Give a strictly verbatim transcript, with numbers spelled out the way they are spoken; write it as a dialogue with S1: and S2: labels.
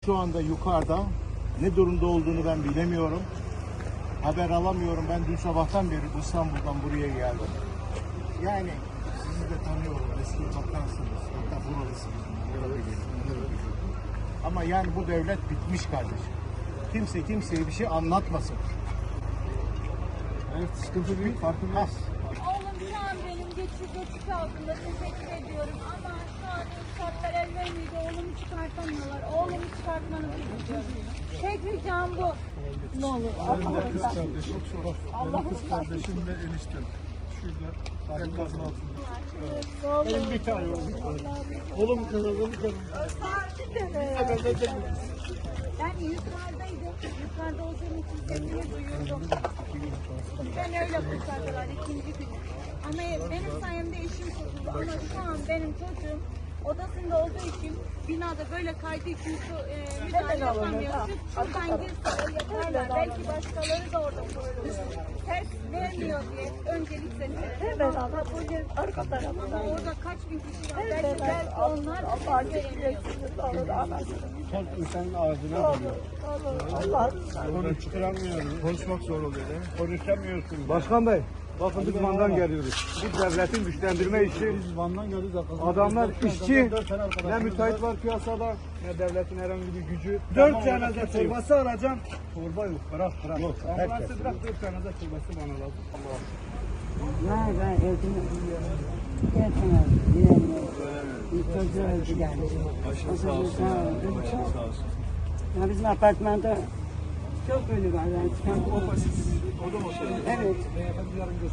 S1: Şu anda yukarıda ne durumda olduğunu ben bilemiyorum. Haber alamıyorum. Ben dün sabahtan beri İstanbul'dan buraya geldim. Yani sizi de tanıyorum. Eski bakarsınız. Hatta buralısınız. Ama yani bu devlet bitmiş kardeşim. Kimse kimseye bir şey anlatmasın.
S2: Evet, sıkıntı büyük, farkındayız.
S3: Oğlum şu an benim geçiş geçiş altında, teşekkür ediyorum ama şu an şartlar el vermiyor, oğlumu çıkartamıyorlar. Oğlumu çıkartmanızı istiyorum. Tek ricam bu. Ne olur.
S2: Benim de kız kardeşim, benim kız kardeşim ve eniştem. Şurada, enkazın altında.
S1: Benim bir tane oğlum.
S2: Oğlum kazandı kazandı.
S3: Ben yukarıdaydım. Yukarıda olduğum için sesini duyurdum. Ben öyle kurtardılar ikinci gün. Ama benim sayemde eşim kurtuldu. Ama şu an benim çocuğum odasında olduğu için binada böyle kaydığı için su e, müdahale yapamıyor. Sırf şuradan girse yaparlar. Belki başkaları da orada kurtulur. Ters vermiyor diye öncelik sesleri.
S4: Evet abla bu yer arka tarafında.
S3: Orada kaç bin kişi var. Belki,
S4: Evet,
S3: belki onlar
S4: Allah
S3: ses veremiyor.
S4: Allah Allah.
S1: Son insanın ağzına vuruyor.
S4: Allah.
S1: Onu çıkaramıyoruz.
S2: Konuşmak zor oluyor değil mi?
S1: Konuşamıyorsun.
S5: Başkan Bey, bakın biz Van'dan geliyoruz. Bu devletin güçlendirme işi,
S2: Biz Van'dan geldik arkadaşlar.
S5: adamlar işçi,
S2: Dört tane
S5: ne
S2: arkadaşımız
S5: müteahhit
S2: var.
S5: var piyasada, ne devletin herhangi bir gücü.
S1: Tamam,
S5: Dört tane de
S1: orada
S5: torbası alacağım. Torba yok, bırak bırak.
S1: Yok,
S5: Ambulansı
S1: herkes
S5: bırak, dört tane de torbası bana lazım.
S4: Hayır ben evde yetmiyorum. Bilemiyorum. Çocuğu öldü yani.
S2: Başınız sağ olsun.
S4: Sağ olun.
S2: Başınız sağ olsun.
S4: Ya bizim apartmanda çok ölü var. Yani.
S2: O da mı?
S4: Evet.